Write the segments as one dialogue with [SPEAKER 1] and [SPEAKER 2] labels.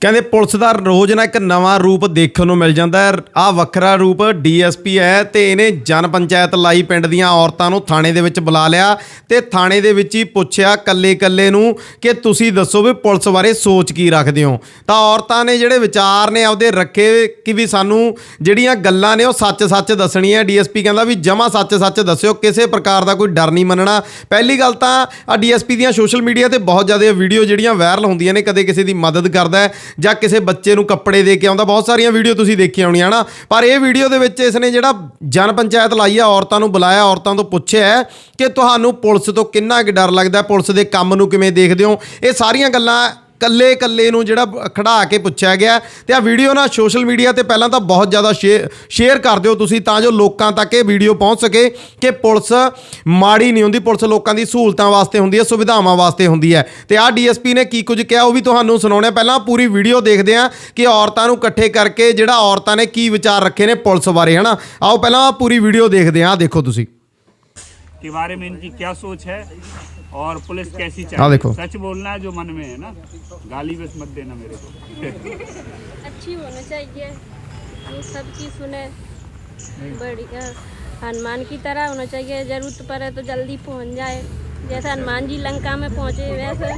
[SPEAKER 1] ਕਹਿੰਦੇ ਪੁਲਿਸ ਦਾ ਰੋਜ਼ ਨਾ ਇੱਕ ਨਵਾਂ ਰੂਪ ਦੇਖਣ ਨੂੰ ਮਿਲ ਜਾਂਦਾ ਹੈ। ਆਹ ਵੱਖਰਾ ਰੂਪ ਡੀਐਸਪੀ ਹੈ ਤੇ ਇਹਨੇ ਜਨ ਪੰਚਾਇਤ ਲਾਈ ਪਿੰਡ ਦੀਆਂ ਔਰਤਾਂ ਨੂੰ ਥਾਣੇ ਦੇ ਵਿੱਚ ਬੁਲਾ ਲਿਆ ਤੇ ਥਾਣੇ ਦੇ ਵਿੱਚ ਹੀ ਪੁੱਛਿਆ ਕੱਲੇ ਨੂੰ ਕਿ ਤੁਸੀਂ ਦੱਸੋ ਵੀ ਪੁਲਿਸ ਬਾਰੇ ਸੋਚ ਕੀ ਰੱਖਦੇ ਹੋ। ਤਾਂ ਔਰਤਾਂ ਨੇ ਜਿਹੜੇ ਵਿਚਾਰ ਨੇ ਆਪਦੇ ਰੱਖੇ ਕਿ ਵੀ ਸਾਨੂੰ ਜਿਹੜੀਆਂ ਗੱਲਾਂ ਨੇ ਉਹ ਸੱਚ ਦੱਸਣੀ ਹੈ। ਡੀਐਸਪੀ ਕਹਿੰਦਾ ਵੀ ਜਮਾ ਸੱਚ ਦੱਸਿਓ, ਕਿਸੇ ਪ੍ਰਕਾਰ ਦਾ ਕੋਈ ਡਰ ਨਹੀਂ ਮੰਨਣਾ। ਪਹਿਲੀ ਗੱਲ ਤਾਂ ਆ ਡੀਐਸਪੀ ਦੀਆਂ ਸੋਸ਼ਲ ਮੀਡੀਆ ਤੇ ਬਹੁਤ ਜ਼ਿਆਦਾ ਵੀਡੀਓ ਜਿਹੜੀਆਂ ਵਾਇਰਲ ਹੁੰਦੀਆਂ ਨੇ, ਕਦੇ ਕਿਸੇ ਦੀ ਮਦਦ ਕਰਦਾ ਹੈ ਜਾਂ ਕਿਸੇ ਬੱਚੇ ਨੂੰ ਕੱਪੜੇ ਦੇ ਕੇ ਆਉਂਦਾ, ਬਹੁਤ ਸਾਰੀਆਂ ਵੀਡੀਓ ਤੁਸੀਂ ਦੇਖੀਆਂ ਹੋਣੀਆਂ ਨਾ। ਪਰ ਇਹ ਵੀਡੀਓ ਦੇ ਵਿੱਚ ਇਸਨੇ ਜਿਹੜਾ ਜਨ ਪੰਚਾਇਤ ਲਾਈ ਆ, ਔਰਤਾਂ ਨੂੰ ਬੁਲਾਇਆ, ਔਰਤਾਂ ਤੋਂ ਪੁੱਛਿਆ ਕਿ ਤੁਹਾਨੂੰ ਪੁਲਿਸ ਤੋਂ ਕਿੰਨਾ ਕੁ ਡਰ ਲੱਗਦਾ, ਪੁਲਿਸ ਦੇ ਕੰਮ ਨੂੰ ਕਿਵੇਂ ਦੇਖਦੇ ਹੋ। ਇਹ ਸਾਰੀਆਂ ਗੱਲਾਂ ਕੱਲੇ ਨੂੰ ਜਿਹੜਾ ਖੜਾ ਕੇ ਪੁੱਛਿਆ ਗਿਆ। ਤੇ ਆ ਵੀਡੀਓ ਨਾ ਸੋਸ਼ਲ ਮੀਡੀਆ ਤੇ ਪਹਿਲਾਂ ਤਾਂ ਬਹੁਤ ਜ਼ਿਆਦਾ ਸ਼ੇਅਰ ਕਰ ਦਿਓ ਤੁਸੀਂ, ਤਾਂ ਜੋ ਲੋਕਾਂ ਤੱਕ ਇਹ ਵੀਡੀਓ ਪਹੁੰਚ ਸਕੇ ਕਿ ਪੁਲਿਸ ਮਾੜੀ ਨਹੀਂ ਹੁੰਦੀ, ਪੁਲਿਸ ਲੋਕਾਂ ਦੀ ਸਹੂਲਤਾਂ ਵਾਸਤੇ ਹੁੰਦੀ ਹੈ, ਸੁਵਿਧਾਵਾਂ ਵਾਸਤੇ ਹੁੰਦੀ ਹੈ। ਤੇ ਆਹ ਡੀਐਸਪੀ ਨੇ ਕੀ ਕੁਝ ਕਿਹਾ ਉਹ ਵੀ ਤੁਹਾਨੂੰ ਸੁਣਾਉਣਾ। ਪਹਿਲਾਂ ਪੂਰੀ ਵੀਡੀਓ ਦੇਖਦੇ ਹਾਂ ਕਿ ਔਰਤਾਂ ਨੂੰ ਇਕੱਠੇ ਕਰਕੇ ਜਿਹੜਾ ਔਰਤਾਂ ਨੇ ਕੀ ਵਿਚਾਰ ਰੱਖੇ ਨੇ ਪੁਲਿਸ ਬਾਰੇ, ਹੈ ਨਾ। ਆਓ ਪਹਿਲਾਂ ਪੂਰੀ ਵੀਡੀਓ ਦੇਖਦੇ ਹਾਂ। ਦੇਖੋ ਤੁਸੀਂ
[SPEAKER 2] के बारे में इनकी क्या सोच है और पुलिस कैसी चाहिए। सच बोलना है जो मन में है ना, गाली बस मत देना मेरे को।
[SPEAKER 3] अच्छी होना चाहिए, वो सबकी सुने, बढ़िया हनुमान की तरह होना चाहिए। जरूरत पड़े तो जल्दी पहुंच जाए, जैसे हनुमान जी लंका में पहुंचे वैसे।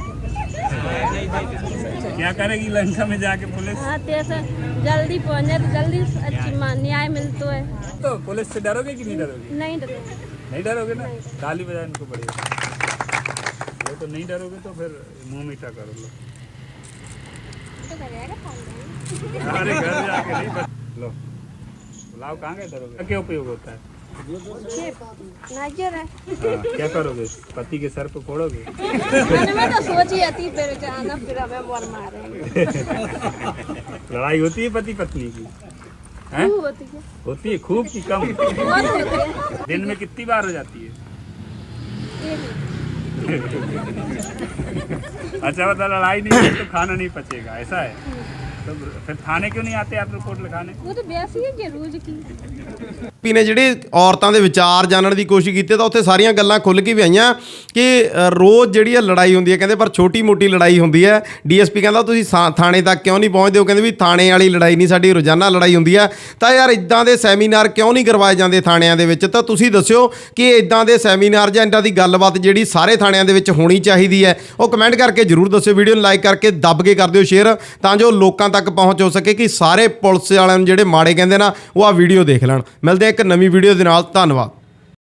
[SPEAKER 2] क्या करेगी लंका में जाके पुलिस?
[SPEAKER 3] हाँ, जैसे जल्दी पहुंच जाए तो जल्दी अच्छी न्याय मिलता है।
[SPEAKER 2] तो पुलिस से डरोगे कि नहीं डरोगे?
[SPEAKER 3] नहीं डरोगे।
[SPEAKER 2] नहीं डरोगे ना, गाली बजा इनको बढ़िया। वो तो नहीं डरोगे तो फिर मुंह मीठा कर लो। अरे घर जाके नहीं लो, बुलाओ, कहाँ गए डरोगे? क्या उपयोग होता है?
[SPEAKER 3] नाजर है।
[SPEAKER 2] क्या करोगे, पति के सर पे फोड़ोगे?
[SPEAKER 3] मैं तो सोची थी फिर आना फिर हमें बोल मारेंगे।
[SPEAKER 2] लड़ाई होती है पति पत्नी की? होती है खूब की कम? दिन में कितनी बार हो जाती है? अच्छा, बता लड़ाई नहीं है तो खाना नहीं पचेगा, ऐसा है? तो फिर थाने क्यों नहीं आते आप रिपोर्ट लिखाने?
[SPEAKER 3] वो तो वैसी है रोज की।
[SPEAKER 1] ਪੀ ਨੇ ਜਿਹੜੇ ਔਰਤਾਂ ਦੇ ਵਿਚਾਰ ਜਾਣਨ ਦੀ ਕੋਸ਼ਿਸ਼ ਕੀਤੀ ਤਾਂ ਉੱਥੇ ਸਾਰੀਆਂ ਗੱਲਾਂ ਖੁੱਲ੍ਹ ਕੇ ਵੀ ਆਈਆਂ ਕਿ ਰੋਜ਼ ਜਿਹੜੀ ਆ ਲੜਾਈ ਹੁੰਦੀ ਹੈ, ਕਹਿੰਦੇ ਪਰ ਛੋਟੀ ਮੋਟੀ ਲੜਾਈ ਹੁੰਦੀ ਹੈ। ਡੀਐਸਪੀ ਕਹਿੰਦਾ ਤੁਸੀਂ ਥਾਣੇ ਤੱਕ ਕਿਉਂ ਨਹੀਂ ਪਹੁੰਚਦੇ ਹੋ, ਕਹਿੰਦੇ ਵੀ ਥਾਣੇ ਵਾਲੀ ਲੜਾਈ ਨਹੀਂ, ਸਾਡੀ ਰੋਜ਼ਾਨਾ ਲੜਾਈ ਹੁੰਦੀ ਹੈ। ਤਾਂ ਯਾਰ ਇੱਦਾਂ ਦੇ ਸੈਮੀਨਾਰ ਕਿਉਂ ਨਹੀਂ ਕਰਵਾਏ ਜਾਂਦੇ ਥਾਣਿਆਂ ਦੇ ਵਿੱਚ? ਤਾਂ ਤੁਸੀਂ ਦੱਸਿਓ ਕਿ ਇੱਦਾਂ ਦੇ ਸੈਮੀਨਾਰ ਜਾਂ ਇੱਦਾਂ ਦੀ ਗੱਲਬਾਤ ਜਿਹੜੀ ਸਾਰੇ ਥਾਣਿਆਂ ਦੇ ਵਿੱਚ ਹੋਣੀ ਚਾਹੀਦੀ ਹੈ, ਉਹ ਕਮੈਂਟ ਕਰਕੇ ਜ਼ਰੂਰ ਦੱਸਿਓ। ਵੀਡੀਓ ਨੂੰ ਲਾਈਕ ਕਰਕੇ ਦੱਬ ਕੇ ਕਰ ਦਿਓ ਸ਼ੇਅਰ, ਤਾਂ ਜੋ ਲੋਕਾਂ ਤੱਕ ਪਹੁੰਚ ਹੋ ਸਕੇ ਕਿ ਸਾਰੇ ਪੁਲਿਸ ਵਾਲਿਆਂ ਨੂੰ ਜਿਹੜੇ ਮਾੜੇ ਕਹਿੰਦੇ ਨਾ ਉਹ ਆ ਵੀਡੀਓ ਦੇਖ ਲੈਣ। ਮਿਲਦੇ ਇੱਕ ਨਵੀਂ ਵੀਡੀਓ ਦੇ ਨਾਲ, ਧੰਨਵਾਦ।